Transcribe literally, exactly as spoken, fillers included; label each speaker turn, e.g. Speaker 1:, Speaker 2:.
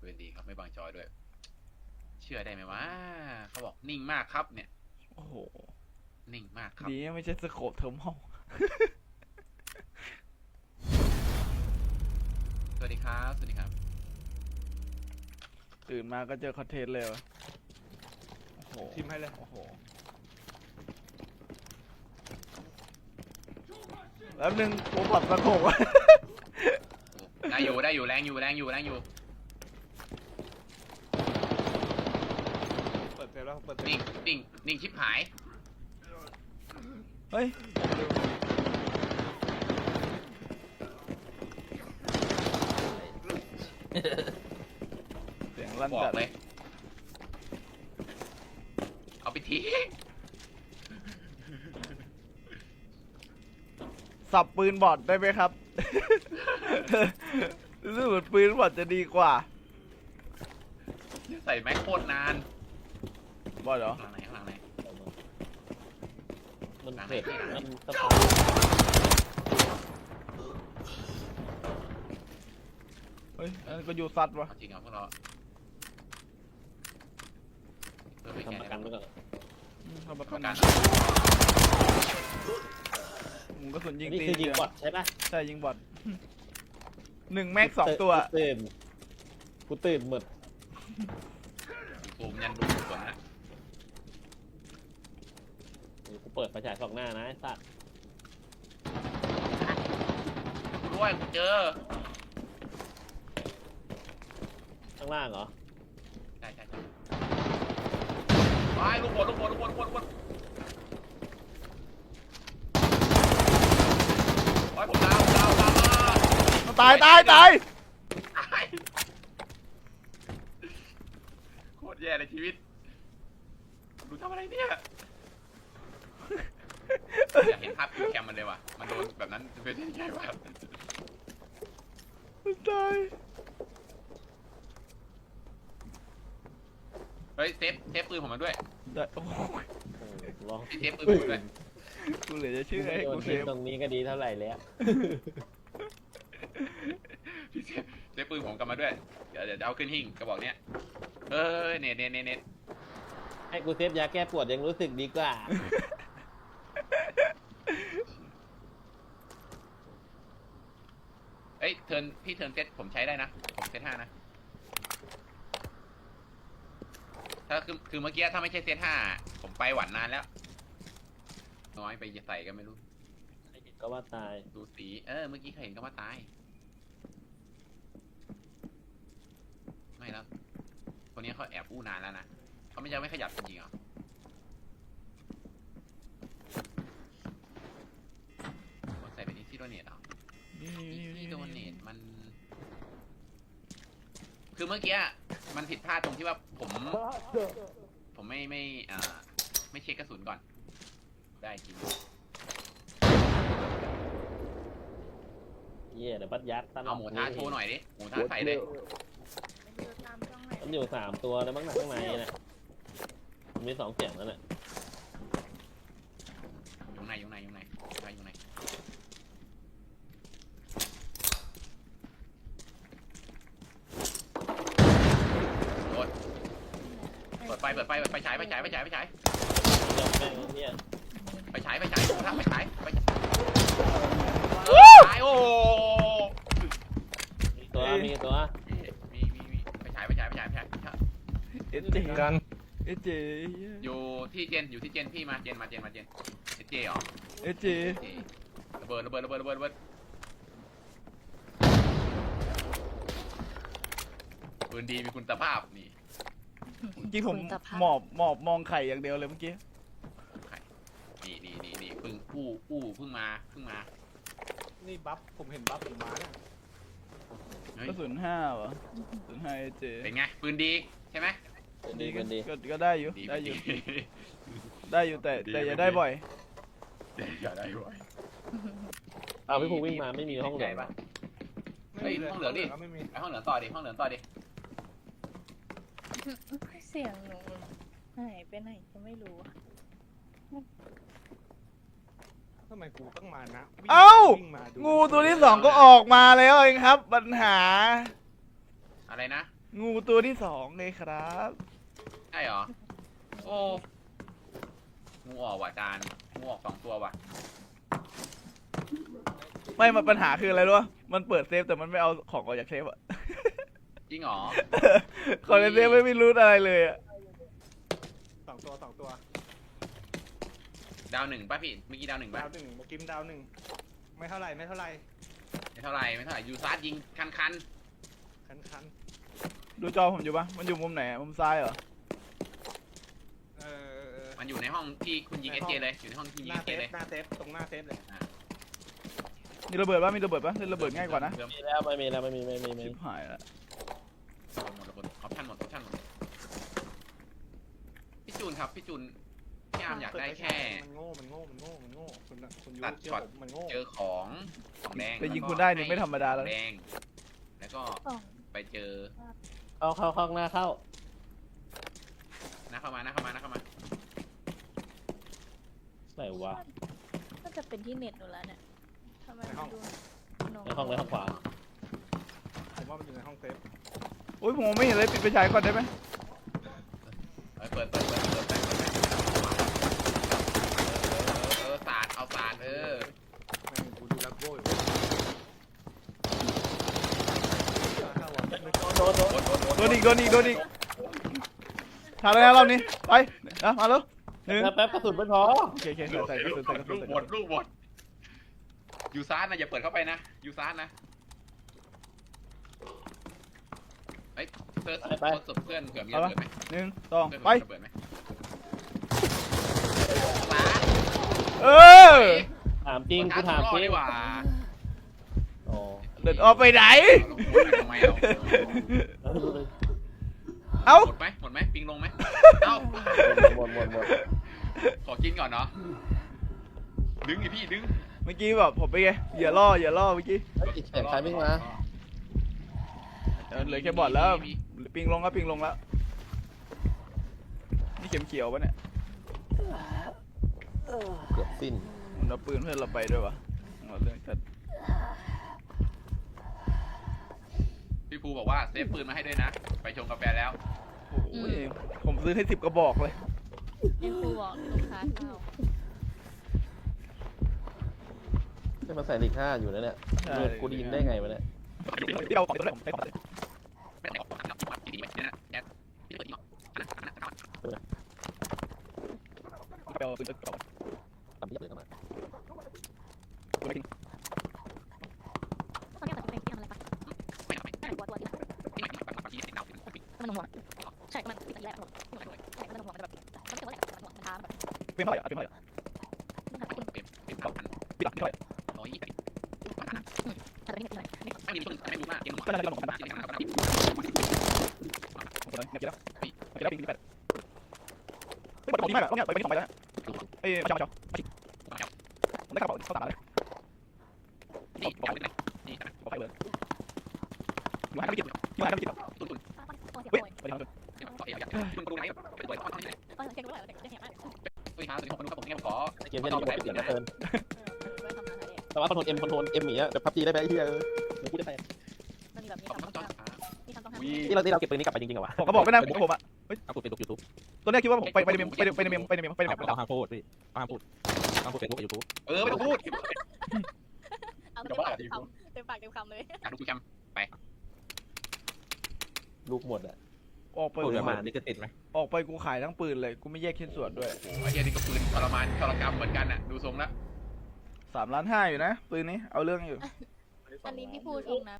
Speaker 1: ปืนดีครับไม่บังจอด้วยเชื่อได้ไหมวะเขาบอกนิ่งมากครับเนี่ย
Speaker 2: โอ้โห
Speaker 1: นิ่งมากครับ
Speaker 2: ดีไม่ใช่สโคปเทอร์มอล
Speaker 1: สวัสดีครับสวัสดีครับ
Speaker 2: ตื่นมาก็เจอคอนเทนต์เลยวะโอ้โห
Speaker 3: ทิมให้เลย
Speaker 2: โอ้โหแล้วนึงผมปรับสโคปวะ
Speaker 1: ได้อยู่ได้อยู่แรงอยู่แรงอยู่แรงอยู่
Speaker 3: เปิดเซฟแล้วเปิดเซฟ
Speaker 1: นิ่งนิ่งนิ่งชิบหาย
Speaker 2: เฮ้ยเสียงลั่น
Speaker 1: บอ
Speaker 2: จั
Speaker 1: ก
Speaker 2: ด
Speaker 1: เลยเอาไปที
Speaker 2: สับปืนบอดได้ไหมครับ รู้สึกเหมือนปืนบอดจะดีกว่า
Speaker 1: ใส่แม็กโคตรนาน
Speaker 2: บอดเหรอ
Speaker 1: ข้างไหนข้างไหน
Speaker 4: มันเผ็ดมันสะพาน
Speaker 2: เฮ้ยอันนั้นก็ยูซัดวะ
Speaker 1: เอาจริงเหรอพวกเราเพื่อไปแข่ง
Speaker 4: ทำประกันไว้ก่อน
Speaker 2: อืมทำประ
Speaker 1: ป
Speaker 2: กั
Speaker 1: ระ
Speaker 2: น
Speaker 1: กัน
Speaker 2: มึงก็สุนยิง
Speaker 4: นี่
Speaker 2: ตี
Speaker 4: คือยิงบอทใช่ปะ
Speaker 2: ใช่ยิงบอดหนึ่งแม็กสองตัว
Speaker 4: กูตื่นกูตื่นหมด
Speaker 1: ซูมยันดูส่วนนะ
Speaker 4: กูเปิดไฟฉายสองหน้านะไอ้สัตว์
Speaker 1: ด้วยกูเจอ
Speaker 4: ข้างล่างเหรอ
Speaker 1: ใช่ใช่ใช่ไปลูกบอลลูกบอลลูกบอลลูกบอลลูกบอลโอ้ยผมดาวผมดาวดาวมา
Speaker 2: ตายตายตาย
Speaker 1: ตายโคตรแย่ในชีวิตดูทำอะไรเนี่ยอยากเห็นภาพคิวแคมมันเลยว่ะมันโดนแบบนั้นเป็นยังไงวะ
Speaker 2: ตาย
Speaker 1: เฮ้ยเซฟเซฟปืนผมมาด้วย
Speaker 2: ได้โอ้ย
Speaker 4: โอ้โหลอง
Speaker 1: พี่เซฟปืนผมมาด้วย
Speaker 2: กูเหลือจะเชื่อให้
Speaker 4: โด
Speaker 2: กู
Speaker 4: น
Speaker 2: เซ
Speaker 4: ทิ้ง
Speaker 2: ฟ
Speaker 4: ตรงนี้ก็ดีเท่าไหร่แล้ว
Speaker 1: พี่เซฟเซฟปืนผมกลับมาด้วยเดี๋ยวเดี๋ยวจะเอาขึ้นหิ้งกระบอกเนี้ยเออเน็ตเน็ตเน็ตเน็ต
Speaker 4: ให้กูเซฟยาแก้ปวดยังรู้สึกดีกว่า
Speaker 1: เอ้ยเทิร์นพี่เทิร์นเซตผมใช้ได้นะผมเซตห้านะถ้าคือคือเมื่อกี้ถ้าไม่ใช่เซตห้าผมไปหวันนานแล้วน้อยไปใส่กันไม่รู้
Speaker 4: ก็ว่าตาย
Speaker 1: ดูสีเออเมื่อกี้ใครเห็นก็ว่าตายไม่แล้วคนนี้เขาแอบอู้นานแล้วนะเขาไม่ยังไม่ขยับจริงๆเหรอใส่ไปที่ที่โดเนทเหรอ
Speaker 2: นี่นี่นี่
Speaker 1: ที่โดเน
Speaker 2: นี่
Speaker 1: ทมัน คือเมื่อกี้มันผิดพลาดตรงที่ว่าผม ผมไม่ไม่อ่าไม่เช็คกระสุนก่อน ได้จริง
Speaker 4: เย่เดี๋ยวปัดยัดตลอด
Speaker 1: เอาหมูท้าโชว์หน่อยดิ หมูท้าใส่เลย
Speaker 4: มันอยู่สามตัวแล้วมั้งหนักข้างในน่ะมันมีสองเสียงแล้วน่ะ
Speaker 1: อยู่ไหนอยู่ไหนอยู่ไหนอยู่ไหนโดนเปิดไฟเปิดไฟเปิดไฟฉายไฟฉายไฟฉายไฟฉาย
Speaker 4: ยอมแม่งเนี่ย
Speaker 1: ไฟฉายไฟฉายหมูท้าไฟฉายไฟฉายโอ้
Speaker 4: มีตัวมีตัว
Speaker 1: มีมีมีไฟฉายไฟฉายไฟฉายไฟฉาย
Speaker 2: เอสเจ
Speaker 3: กัน
Speaker 2: เอสเจ
Speaker 1: อยู่ที่เจนอยู่ที่เจนพี่มาเจนมาเจนมาเจนเอเจเหรอ
Speaker 2: เอสเจ
Speaker 1: เจระเบิดระเบิดระเบิดระเบิดระเบิดปืนดีมีคุณภาพนี่
Speaker 2: จริงผมหมอบหมอบมองไข่อย่างเดียวเลยเมื่อกี้
Speaker 1: นี่นี่นี่นี่เพิ่งอู้อู้เพิ่งมาเพิ่งมา
Speaker 3: นี่บัฟผมเห็นบัฟผมมาเนี่ย
Speaker 1: เฮ้ย
Speaker 2: ก็ศูนย์ห้าเหรอศูนย์ห้าเอสเจ
Speaker 1: เป็นไงปืนดีใช่ไหม
Speaker 4: ดี
Speaker 2: ก็
Speaker 4: กันดี
Speaker 2: ก็ก็ได้อยู่
Speaker 1: ดี
Speaker 2: ได้อยู่
Speaker 1: ดี
Speaker 2: ได้อยู่แต่
Speaker 1: ดี
Speaker 2: แต่อย่า
Speaker 1: ดี
Speaker 2: ได้บ่อย
Speaker 1: อย่าได้บ่อย
Speaker 4: เอาพี่ภูวิ่งมาไม่มีห้องเหลื
Speaker 1: ให
Speaker 4: อ
Speaker 1: ญ่ปะ
Speaker 3: ไม่
Speaker 1: เฮ้ย
Speaker 3: มีเลย
Speaker 1: ห้องเหลือดิ
Speaker 3: ไม่มี
Speaker 1: ไปห้องเหลืองต่อดิห้องเหลืองต่อดิ
Speaker 5: เสียงหนูหายไปไหนก็ไม่รู้อะ
Speaker 3: ทำไมกูต้องมานะวิ่ง
Speaker 2: เอ้า
Speaker 3: วิ่งมาดู
Speaker 2: งูตัวที่สองก็ออกมาแล้วเองครับ ปัญหา
Speaker 1: อะไรนะ
Speaker 2: งูตัวที่สองเลยครับ
Speaker 1: ใช่เหรอ โอ้งูออกว่ะจานงูออกสองตัวว่ะ
Speaker 2: ไม่มาปัญหาคืออะไรรู้ปะมันเปิดเซฟแต่มันไม่เอาของออกจากเซฟอะ
Speaker 1: จริงเหรอ
Speaker 2: ของในเซฟไม่มีรูทอะไรเลยอะ
Speaker 3: สองตัวสองตัว
Speaker 1: ดาวหนึ่งป่ะพี่เมื่อกี้ดาวหนึ่งป่ะ
Speaker 3: ดาวหนึ่งเมื่อกี้ดาวหนึ่งไม่เท่าไหร่ไม่เท่าไหร่
Speaker 1: ไม่เท่าไหร่ไม่เท่าไหร่ยูซาร์ยิงคันคัน
Speaker 3: คันคัน
Speaker 2: ดูจอผมอยู่ปะมันอยู่มุมไหนอะมุมซ้ายเหรอ
Speaker 3: เออ
Speaker 1: ๆมันอยู่ในห้องที่คุณยิงเอสเจเลยอยู่ในห้องที่ยิ
Speaker 3: ห
Speaker 1: ง
Speaker 3: น้า
Speaker 1: เอส
Speaker 3: เซ
Speaker 1: เจ
Speaker 3: ฟ
Speaker 1: เลย
Speaker 3: หน้าเซฟตรงหน้าเซฟเลย
Speaker 2: มีระเบิดปะมีระเบิดปะเล่นระเบิดง่ายกว่านะ
Speaker 1: เพิ่ม
Speaker 4: มีแล้วไม่มีแล้วไม่มีไม่มีไม่
Speaker 2: ชิ
Speaker 4: มี
Speaker 2: บหายละ
Speaker 1: หมดหมดออปชั่นหมดออปชั่นหมดพี่จูนครับพี่จูนพี่อาร์มอยากได้แค่
Speaker 3: มันโง่มันโง่มันโง่มันโง่คุณคุณยู
Speaker 1: ตัด
Speaker 3: เชื่
Speaker 1: ช็อต
Speaker 3: ผมมันโง่
Speaker 1: เจอของของแดง
Speaker 2: แต่ยิงคุณได้นี่ไม่ธรรมดา
Speaker 1: ข
Speaker 2: แล้
Speaker 1: อ
Speaker 2: ว
Speaker 1: งแดงแล้วก็
Speaker 5: กล่อง
Speaker 1: ไปเจอ
Speaker 4: เข้าเข้าเข้าหน้าเข้า
Speaker 1: หน้าเข้ามาหน้าเข้ามาหน้าเข้ามา
Speaker 4: ไหนวะ
Speaker 5: ก็จะเป็นที่เน็ตหนูแล้วเนี่ยทำไมมันดู
Speaker 4: ในห้องในห้องขวา
Speaker 3: ผมว่ามันอยู่ในห้องเซฟ
Speaker 2: โอ้ยผมมองไม่เห็นเลยปิดไฟฉายก่อนได้ไหม
Speaker 1: เอ้ยเปิดเปิดเปิดเปิดเปิดเปิดเปิดเออสาดเอาสาดเออ
Speaker 3: แม่งกูดูแลโก้อยู่เข้าวะ
Speaker 4: โดนโดน
Speaker 1: โดนโดนโดน
Speaker 2: โดนอีกโดนอีกโดนอีกทำแล้วนะรอบนี้ไปนะมาแล้วหนึ่ง
Speaker 4: แป๊บกระสุนไม่พอ
Speaker 2: โอเคโอเคใส่ใส่ใส่ใส่ใส่
Speaker 1: ลูก
Speaker 2: ใส่
Speaker 1: หมดลูกหมดยูซาร์นะอย่าเปิดเข้าไปนะยูซาร์นะเฮ้ยเซิร์ชเซิร์ชเพื่อนเผื่อมีระเบิดไหม
Speaker 2: หนึ่งสอง
Speaker 1: เพื่อน
Speaker 2: ไป
Speaker 1: มีระเบิดไหมซาร์
Speaker 2: เออ
Speaker 4: ถามจริงกูถามจริง
Speaker 1: ดีกว่า
Speaker 4: อ๋อ
Speaker 2: เดินออกไปไหน
Speaker 1: ทำไมเรา
Speaker 4: แล้วดูเลย
Speaker 2: เอ้า
Speaker 1: หมดไหมหมดไหมปิงลงไหมเอ้า
Speaker 4: หมดหมดหมด
Speaker 1: ขอกินก่อนเนาะดึงดิพี่ดึง
Speaker 2: เมื่อกี้แบบผมไปไงอย่าล่ออย่าล่อเมื่อกี้
Speaker 4: อีกเสียงใครวิ่งมา
Speaker 2: เออเหลือแค่บอดแล้วปิงลงแล้วปิงลงแล้วนี่เข็มเขียวปะเนี่ย
Speaker 4: เกือบสิ้น
Speaker 2: มันเอาปืนเพื่อนเราไปด้วยวะเอาเรื่องจัด
Speaker 1: พี่ภูบอกว่าเซฟปืนมาให้ด้วยนะ ไปชงกาแฟแล้ว
Speaker 2: โอ้โหผมซื้อให้สิบกระบอกเลย
Speaker 5: ไอ้ครูบอกลูกค้าเข้า
Speaker 4: จะมาใส่ลิค่าอยู่นะเนี่ย
Speaker 2: ใช่
Speaker 4: กูได้ยินได้ไงวะเนี่ย
Speaker 2: ที่เราของตัวแรกผมใช้ของเลย
Speaker 1: ไม่ได้ออกมาแล้วว่าดีไหมเนี่ยนะเนี่ยพี่เปิดดีมั้ย
Speaker 2: ไปเอาปืนกระบอก
Speaker 4: ตามที่เลยเข้ามา
Speaker 2: ตัวไม่ทิ้ง
Speaker 5: ตอนนี้ตัดสินใจที่ทำอะไรปะ
Speaker 1: ไม่เอาไม่
Speaker 5: ไม่ตัวตัวที่
Speaker 1: ไม่ไม่ไม่ไม่ที่เด็กเราเป็นปิด
Speaker 5: มันหน่วงใช่มันติดแรกหน่วงใช่มันหน่วงมันแบบมันเกี่ยวกับแรกมันหน่วงมันท้าแบบ
Speaker 2: เป็นเท่าไหร่อ่ะเป็นเท่าไหร่
Speaker 5: มันทำให้คุณ
Speaker 1: เป็นเป็นสามพัน
Speaker 2: ปิดหลังเท่าไหร่
Speaker 1: ร้อยยี่สิบ
Speaker 5: ทำให้คุณหน่อย
Speaker 1: ไม่มีต้นไม่รู้มากเกมหมด
Speaker 2: ก็น่าจะลงกันนะผมเลยเนี่ยเกี่ยวแล้วเกี่ยวแล้วปิงที่แปดเฮ้ยบอลดีมากอะต้องเนี่ยไปไปที่สองไปแล้วเอ้ยมาเจ้ามาเจ้ามาผมได้กระเป๋าเข้าตาเลย
Speaker 1: นี่จับเป็นไรนี่
Speaker 2: บอกไปเลยอยู่ห้างไม่กินอยู่ห้างไม่กิน
Speaker 1: ตุ้นตุ้น
Speaker 5: ตัวเสีย
Speaker 2: เฮ้ย
Speaker 5: บ่อย
Speaker 2: ไปทางนู้น
Speaker 1: เนี่ยก็เอ๋ยมึงดูไหนไปเปิดข้อที่ไหน
Speaker 5: ตอนเสียงรู้เลยเด็กเสียงมาก
Speaker 1: เฮ้ยฮะสุดที่ผมรู้ครับผมเนี่ยขอ
Speaker 4: เกมแค่นี้กูปิดอย่างนั้นเกิน
Speaker 5: เออทำงานอะไร
Speaker 4: แต่ว่าคอนโทรลเอ็มคอนโทรลเอ็มอย่างเงี้ยแบบพับจีได้ไหมไอ้เหี้ยเออเดี๋ยวพูดได้ไหม
Speaker 5: มันมีแบบมี
Speaker 1: ต้อง
Speaker 5: คำ
Speaker 1: ต้
Speaker 5: ต้
Speaker 1: อ
Speaker 5: อง ง
Speaker 1: ช้า
Speaker 5: มีคำต้องห้าม
Speaker 1: วี
Speaker 4: ที่เราที่เราเก็บปืนนี้กลับไปจริงๆเหรอวะ
Speaker 2: ผมก็บอกไม่น่าผมผมอ่ะ
Speaker 4: เอากูไปดูยูทูบ
Speaker 2: ตัวนี้คิดว่าผมไปไปในเมมไปในไปในเมมไปในเมมไปในเมม
Speaker 4: เอาห้ามพูดพี่ห้ามพูดห้ามพูดเฟซบุ๊กกับยูทูบ
Speaker 1: เออไม่ต้องพูด
Speaker 5: เอาเต็มปากเต็มคำเต็มปากเต็มคำเลย
Speaker 1: อ่ะดูคุยกัน
Speaker 4: ลูกหมดอ่ะ
Speaker 2: ออกไป
Speaker 4: พูดมานี่ก็ติดไหม
Speaker 2: ออกไปกูขายทั้งปืนเลยกูไม่แยกชิ้นส่วนด้วย
Speaker 1: โอ้โหไอ้เหี้ยนี่ก็ปืนทรมานทรกรรมเหมือนกันอ่ะดูทรงแล้ว
Speaker 2: สามล้านห้าอยู่นะปืนนี้เอาเรื่องอยู่
Speaker 5: อันนี้พี่พูดชมนะ